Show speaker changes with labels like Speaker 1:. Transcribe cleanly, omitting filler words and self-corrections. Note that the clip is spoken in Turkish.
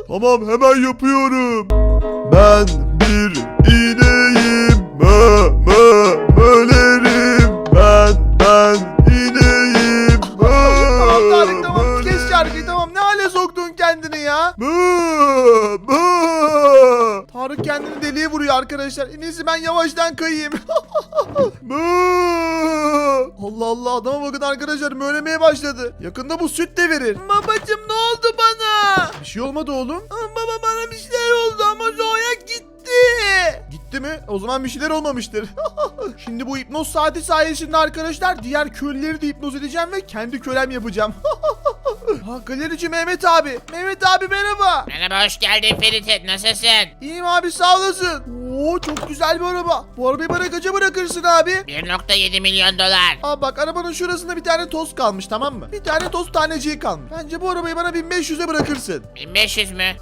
Speaker 1: Tamam hemen yapıyorum. Ben bir ineğim. Mö mö mölerim. Ben ineğim.
Speaker 2: Tamam Tarık tamam kes şarkıyı tamam. Ne hale soktun kendini ya?
Speaker 1: Mö mö.
Speaker 2: Tarık kendini deliye vuruyor arkadaşlar. En iyisi ben yavaştan kayayım.
Speaker 1: Mö.
Speaker 2: Allah Allah adama bakın arkadaşlar mölemeye başladı. Yakında bu süt de verir. Babacım ne oldu bana? Bir şey olmadı oğlum. Baba bana bir şeyler oldu ama Zoya gitti. Gitti mi? O zaman bir şeyler olmamıştır. Şimdi bu hipnoz saati sayesinde arkadaşlar diğer köylüleri de hipnoz edeceğim ve kendi kölem yapacağım. Ha, galerici Mehmet abi. Mehmet abi merhaba.
Speaker 3: Merhaba, hoş geldin Ferit. Nasılsın?
Speaker 2: İyiyim abi sağ olasın. Oo çok güzel bir araba. Bu arabayı bana kaça bırakırsın abi?
Speaker 3: 1,7 milyon dolar.
Speaker 2: Abi bak arabanın şurasında bir tane toz kalmış tamam mı? Bir tane toz taneciği kalmış. Bence bu arabayı bana 1500'e bırakırsın.
Speaker 3: 1500 mü?